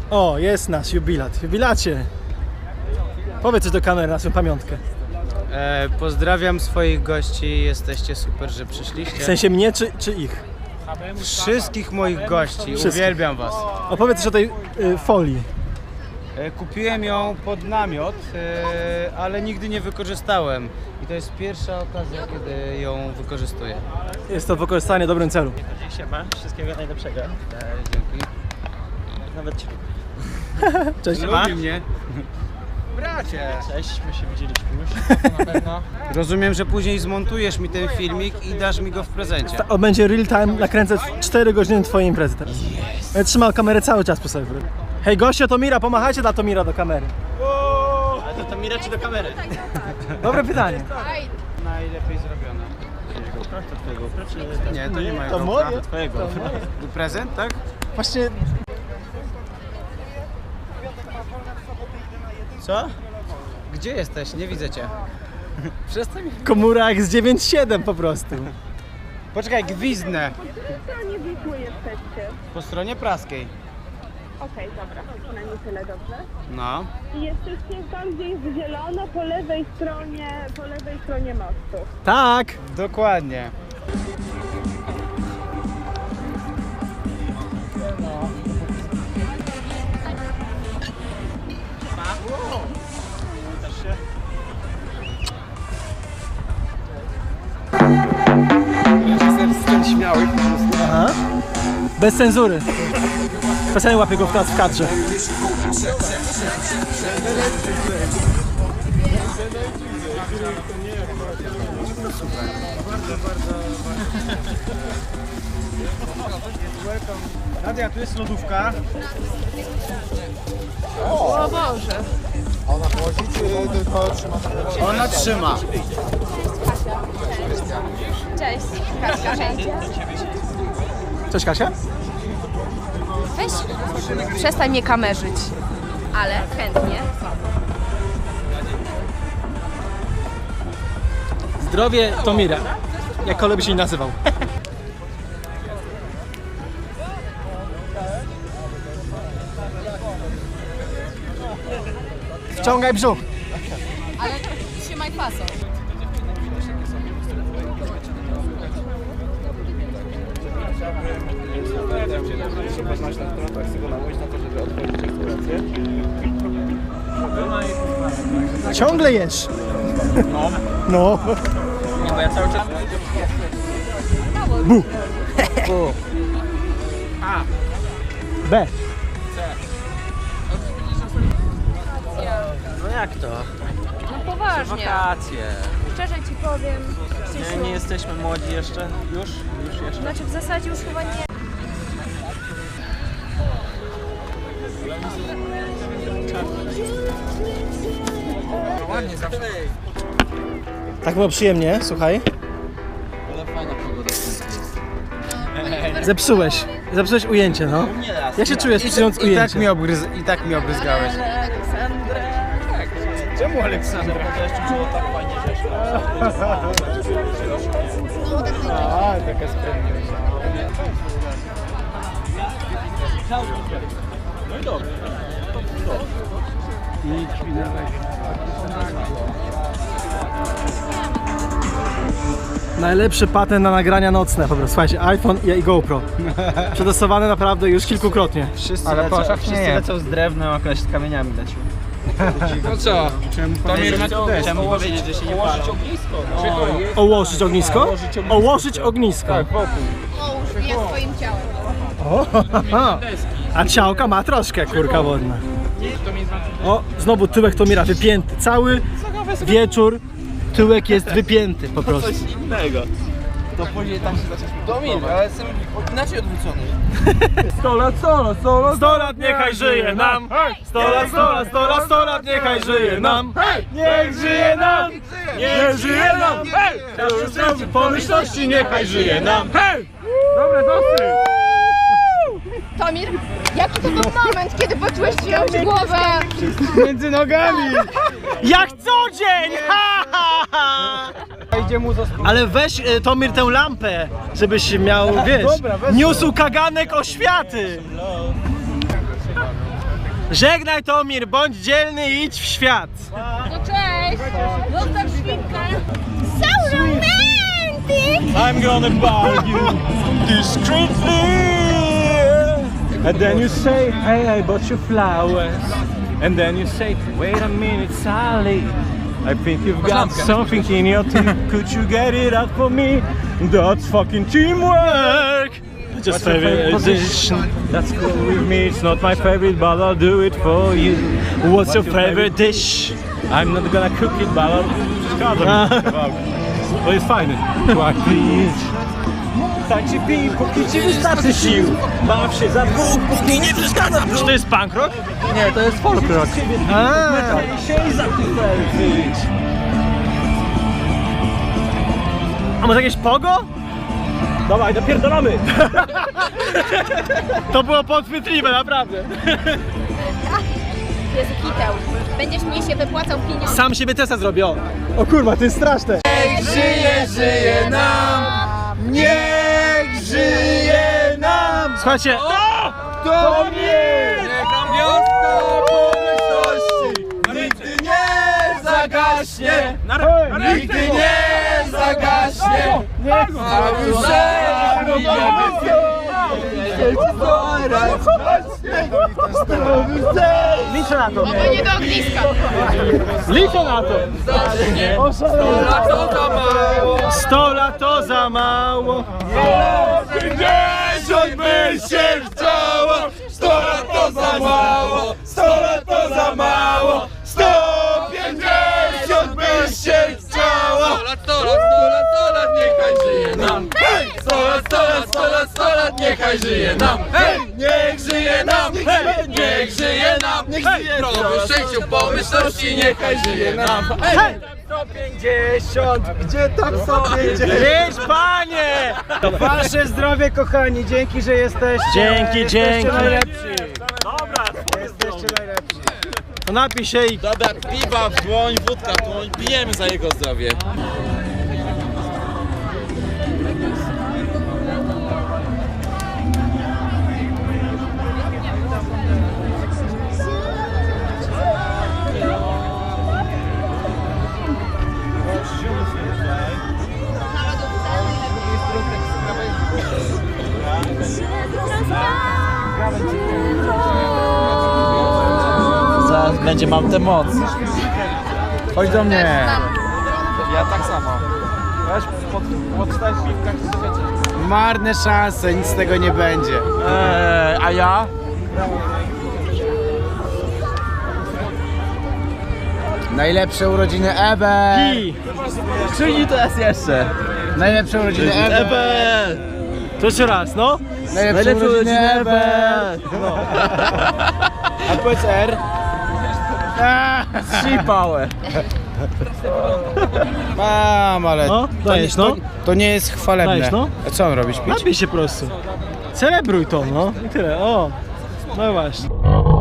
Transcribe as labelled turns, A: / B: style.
A: O, jest nasz jubilat. Jubilacie. Powiedz coś do kamery na swoją pamiątkę.
B: Pozdrawiam swoich gości, jesteście super, że
A: W
B: przyszliście.
A: sensie mnie czy ich?
B: Wszystkich moich gości,
A: Wszystkich.
B: uwielbiam was.
A: Opowiedz też o tej folii.
B: Kupiłem ją pod namiot, ale nigdy nie wykorzystałem. I to jest pierwsza okazja, kiedy ją wykorzystuję.
A: Jest to wykorzystanie w dobrym celu.
C: Siema, wszystkiego najlepszego.
B: Dzięki.
C: Nawet cię.
A: Cześć.
B: Lubi mnie.
C: Bracie! Cześć, my się widzieliśmy już, na pewno.
B: Rozumiem, że później zmontujesz mi ten filmik i dasz mi go w prezencie.
A: On będzie real time, nakręcę 4 godziny twojej imprezy teraz. Będę trzymał kamerę cały czas po sobie. Hej goście Tomira, pomachajcie dla Tomira do kamery.
C: Ale to Mira czy do kamery?
A: Dobre pytanie.
B: Najlepiej zrobione.
C: To twojego czy...
B: Nie, to nie moje.
A: To moje?
C: Twojego.
B: Prezent, tak?
A: Właśnie
B: Co? Gdzie jesteś? Nie widzę cię. Przestań.
A: komura jak z 9.7 po prostu.
B: Poczekaj, gwizdnę.
D: Po stronie Wisły jesteście.
B: Po stronie praskiej.
D: Okej, dobra, przynajmniej tyle dobrze.
B: No.
D: I jesteście tam, gdzie jest zielono, po lewej stronie mostu.
A: Tak.
B: Dokładnie.
A: Aha. Bez cenzury. Specjalnie łapię go teraz w kadrze.
B: Nadia, tu jest lodówka.
D: O Boże!
B: Ona trzyma.
E: Cześć, Kasia, cześć.
A: Cześć Kasia.
E: Weź, przestań mnie kamerzyć. Ale chętnie.
A: Zdrowie Tomira. Jakkolwiek by się nie nazywał. Wciągaj brzuch.
E: Ale trzymaj fason.
A: Ciągle jesz. No.
C: Nie, bo ja cały czas...
A: Bu. B.
C: No jak to?
E: No poważnie.
C: Wakacje.
E: Szczerze ci powiem.
C: Nie jesteśmy młodzi jeszcze? Już jeszcze?
E: Znaczy w zasadzie już chyba nie.
C: Ładnie zawsze.
A: Tak było przyjemnie, słuchaj.
C: Ale fajna pogoda jest.
A: Zepsułeś ujęcie, no.
C: Nie raz.
A: Jak się czujesz psując
B: I tak
A: ujęcie?
B: mi obryzgałeś. Czemu Aleksandra?
C: To jeszcze było tak fajnie, że
B: A, taka sprawność.
C: No i dobrze.
A: Najlepszy patent na nagrania nocne po prostu. Słuchajcie, iPhone i GoPro. Przetestowane naprawdę już kilkukrotnie.
B: Wszyscy
C: Ale
B: lecą,
C: wszyscy
B: nie.
C: lecą z drewnem, a koleś z kamieniami lecił.
B: No co? Czemu
C: Czemu powiedzieć, że się nie palą?
A: Ołożyć ognisko? Ołożyć ognisko.
B: Tak, wokół.
E: Połóż mnie swoim ciałem.
A: O, a ciałka ma troszkę, kurka wodna. O, znowu tyłek Tomira wypięty. Cały wieczór tyłek jest wypięty po prostu.
C: innego. To później tam się zaczęliśmy. Domin, ale jestem inaczej odwrócony.
A: 100 lat niechaj żyje nam! 100 lat, 100 lat, 100 lat, 100 lat niechaj żyje nam! Niech żyje nam! Niech żyje nam! Pomyślności niechaj żyje nam! Dobre, dosyć!
E: Tomir, jaki to był moment, kiedy poczułeś czyjąś głowę?
B: Między nogami!
A: Jak co dzień! Ha, ha, ha.
B: Idzie mu
A: Ale weź Tomir tę lampę, żebyś miał, wiesz,
B: Dobra, wezmę.
A: niósł kaganek oświaty! Żegnaj Tomir, bądź dzielny i idź w świat.
E: No cześć! Zostaw świnkę! So romantic!
A: I'm gonna buy you discreetly. And then you say, hey, I bought you flowers. And then you say, wait a minute, Sally. I think you've got something in your teeth. Could you get it out for me? That's fucking teamwork. Just favorite position. That's cool with me. It's not my favorite, but I'll do it for you. What's your favorite dish? I'm not gonna cook it, but I'll... To jest fajne. Tak ci pij, póki ci wystarczy sił. Baw się za dwóch, póki nie przeszkadza. Czy to jest punk rock?
C: Nie, to jest folk rock.
A: A może jakieś pogo? Dawaj, napierdolamy! To było podchwytliwe, naprawdę.
E: Jezu, kiteł. Będziesz mnie się wypłacał pieniądze.
A: Sam siebie testa zrobię, o. O kurwa, to jest straszne.
C: Żyje nam! Niech żyje nam!
A: Słuchajcie,
C: To nie! Niech nam wiosna pomyślności nigdy nie zagaśnie! Nigdy nie zagaśnie! A już
A: liczę na to.
E: To nie do ogniska.
A: Liczę na to. 100 lat to za mało.
C: 50 by się chciało! 100 lat to za mało! 100 lat to za mało! 150 by się chciało! 100 lat, niechaj żyje nam! 100 lat, niechaj żyje nam! Niech żyje nam! Niech żyje nam! Niech żyje nam! Szczęściu, pomyślności, niechaj żyje nam!
B: 150, gdzie tam 150?
A: Idź, panie!
B: Wasze zdrowie, kochani, dzięki, że jesteście.
A: Dzięki,
B: Jesteście
A: dzięki.
B: najlepsi.
A: Dobra,
B: Jesteście najlepsi.
A: to napij się i...
C: Dobra, piwa w dłoń, wódka w dłoń, pijemy za jego zdrowie. Zaraz będzie mam tę moc.
B: Chodź do mnie.
C: Ja tak samo. Weź podstań piwka w
B: Marne szanse, nic z tego nie będzie.
C: a ja?
B: Najlepsze urodziny ever.
A: I...
C: Czyli to jest jeszcze.
B: Najlepsze urodziny ever.
A: To jeszcze raz, no.
B: Najlepsze urodziny ever. A powiedz R.
C: Sipałe.
B: Mam, ale
A: No, dajesz, no.
B: to nie jest chwalebne.
A: Dajesz, no.
B: A co on robić? Pić?
A: Napij się po prostu. Celebruj to, no. I tyle, o. No właśnie.